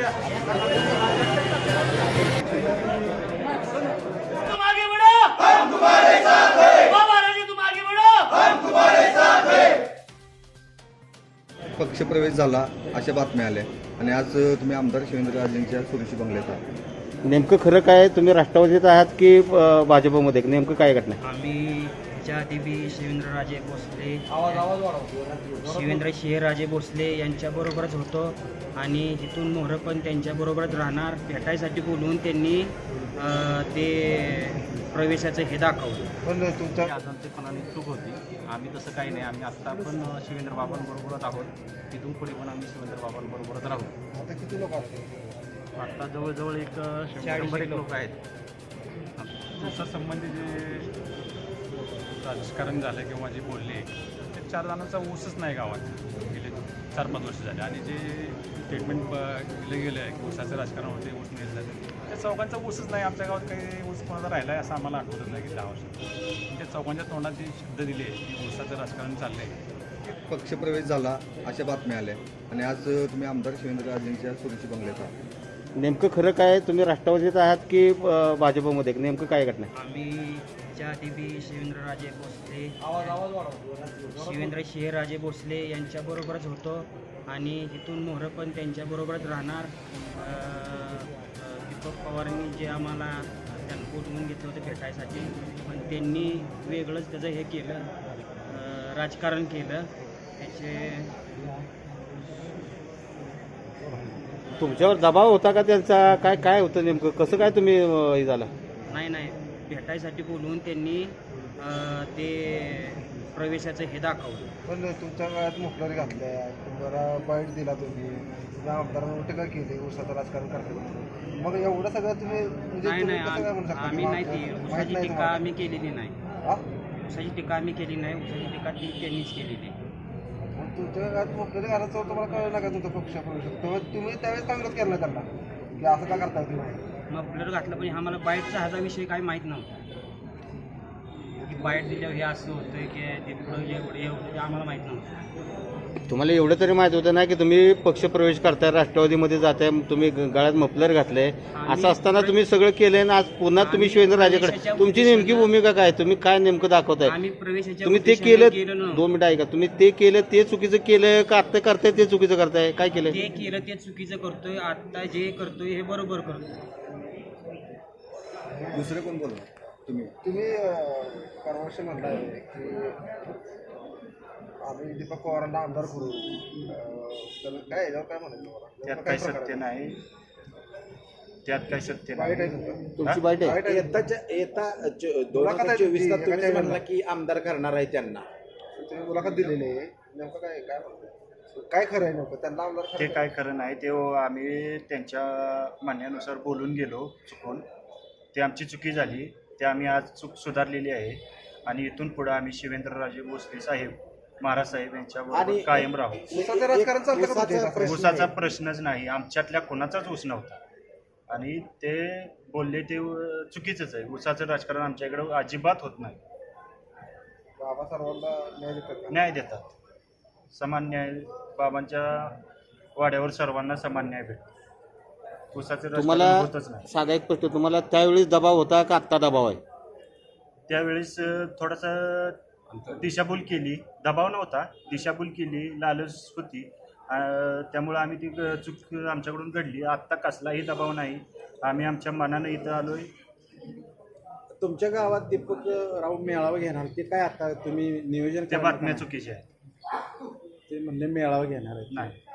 तुम आगे बढ़ो, हम तुम्हारे साथ हैं। बाबा राजे तुम आगे बढ़ो, हम तुम्हारे साथ हैं। पक्षप्रवेश झाला अशा बातम्या आल्या आणि आज तुम्ही आमदार शिवेंद्रराजेंच्या सुरुची बंगल्यात आहात. नेमकं खरं काय, तुम्ही राष्ट्रवादीत आहात की भाजपमध्ये, नेमकं काय घटना आहे? आम्ही च्या आधी बी शिवेंद्रराजे भोसले शिवेंद्र शिवराजे भोसले यांच्याबरोबरच होतो आणि इथून मोहरं पण त्यांच्याबरोबरच राहणार. भेटायसाठी बोलवून त्यांनी ते प्रवेशाचं हे दाखवलं. पण तुमच्या आजांचेपणाने चूक होती. आम्ही तसं काही नाही. आम्ही आत्ता पण शिवेंद्र बाबांबरोबरच आहोत. तिथून पुढे पण आम्ही शिवेंद्र बाबांबरोबरच राहू. आता किती लोक आहेत? आत्ता जवळजवळ एक 100 लोक आहेत. तुमच्या संबंधी जे राजकारण झालं किंवा जे बोलले ते 4 जणांचा ऊसच नाही गावात गेले 4-5 वर्ष झाले. आणि जे स्टेटमेंट दिलं गेलं आहे की ऊसाचं राजकारण होते, ऊस नाही झालं, त्या चौघांचा ऊसच नाही. आमच्या गावात काही ऊस कोणाचा राहिला आहे असं आम्हाला आठवतच नाही की 10 वर्षात. त्या चौघांच्या तोंडात जे शब्द दिले की ऊसाचं राजकारण चाललं आहे. पक्षप्रवेश झाला अशा बातम्या आल्या आणि आज तुम्ही आमदार शिवेंद्रराजेंच्या सुरुची बंगल्यात आहात. नेमकं खरं काय, तुम्ही राष्ट्रवादीत आहात की भाजपमध्ये, नेमकं काय घटना आहे? आम्ही च्या आधी बी शिवेंद्रराजे भोसले शिवेंद्र शिवराजे भोसले यांच्याबरोबरच होतो आणि इथून मोहरं पण त्यांच्याबरोबरच राहणार. दीपक पवारांनी जे आम्हाला त्यांना बोलवून घेतलं होतं भेटायसाठी, पण त्यांनी वेगळंच त्याचं हे केलं, राजकारण केलं. त्याचे तुमच्यावर दबाव होता का त्यांचा? काय काय होतं नेमकं, कसं काय तुम्ही हे झालं? नाही भेटायसाठी बोलवून त्यांनी ते प्रवेशाचं हे दाखवलं. पण तुमच्या काळात मुखलारी घातल्या, तुम्हाला बाईट दिला, तुम्ही तुझ्या आमदारांवर टीका केली, ऊसाचं राजकारण करते. मग एवढं सगळं तुम्ही म्हणजे नाही कसं काय म्हणू शकता? आम्ही नाही ती ऊसाची टीका तुम्हाला? आम्ही केलेली नाही. हा? ऊसाची टीका आम्ही केली नाही. ऊसाची टीका ती त्यांनीच केलेली. मग तुमच्या काळात मुखलारी घालायचं तुम्हाला कळलं ना का तुमचा पक्ष करू शकतो? तुम्ही त्यावेळेस काँग्रेस केलं ना त्यांना की असं का करताय तुम्ही? मग प्लेअर घातलं, पण आम्हाला बाईटचा ह्याचा विषय काही माहीत नव्हता की बाईट दिल्यावर हे असं होतं की ते पुढं एवढं हे आम्हाला माहीत नव्हतं. तुम्हाला एवढं तरी माहित होतं ना की तुम्ही पक्षप्रवेश करताय, राष्ट्रवादीमध्ये जाताय, तुम्ही गळ्यात मफलर घातलंय, असं असताना तुम्ही सगळं केलंय ना. आज पुन्हा तुम्ही शिवेंद्रराजेकडे, तुमची नेमकी भूमिका काय, तुम्ही काय नेमकं दाखवताय? आम्ही प्रवेशाच्या तुम्ही ते उद्देशाने केलं, नव्हतं. 2 मिनिटं ऐका, तुम्ही ते केलं ते चुकीचं केलं का आत्ता करताय ते चुकीचं करताय? काय केलं? जे केलं ते चुकीचं करतोय, आता जे करतोय हे बरोबर करतोय. दुसरे कोण बोलला? तुम्ही परवर्ष म्हणताय की आम्ही दीपक पवारांना आमदार करू, तर काय याच्यावर काय म्हणायचं? त्यात काही सत्य नाही. त्यात काही सत्य वाईट आहे नाही. तुमचं. तुमची बाईट आहे? वाईट आहे. येता मुलाखत आहे 2024 ला तुमची, तुम्ही काय म्हणला म्हणला? की आमदार करणार आहे त्यांना. तुम्ही मुलाखत दिलेली आहे, नेमकं काय काय म्हणताय? काय खरं आहे नेमकं? त्यांना आमदार ते करायचं? काय खरं नाही. ते आम्ही त्यांच्या म्हणण्यानुसार बोलून गेलो चुकून. ते आमची चुकी झाली. ते आम्ही आज चूक सुधारलेली आहे आणि इथून पुढे आम्ही शिवेंद्रराजे भोसले साहेब, महाराज साहेब यांच्याबरोबर आणि कायम राहू. ऊसाचं राजकारण चालतं का ऊसाचा तुमच्या इथं? ऊसाचा प्रश्नच नाही. आमच्यातल्या कोणाचाच ऊस नव्हता आणि ते बोलले ते चुकीचंच आहे. ऊसाचं राजकारण आमच्या इकडं अजिबात होत नाही. बाबा सर्वांना न्याय देतात का? न्याय देतात. समान न्याय. बाबांच्या वाड्यावर सर्वांना समान न्याय भेटतो. ऊसाचं तुम्हाला राजकारण होतच नाही. साधा एक प्रश्न, तुम्हाला त्यावेळेस दबाव होता का आत्ता दबाव आहे? त्यावेळेस थोडासा दिशाभूल केली. दबाव नव्हता, दिशाभूल केली, लालच होती. त्यामुळं आम्ही ती चूक आमच्याकडून घडली. आत्ता कसलाही दबाव नाही. आम्ही आमच्या मनानं इथं आलोय. तुमच्या गावात दीपक राव मेळावा घेणार, ते काय आता तुम्ही नियोजन त्या करणार बातम्या का? चुकीच्या आहेत. ते म्हणले मेळावा घेणार आहे. नाही.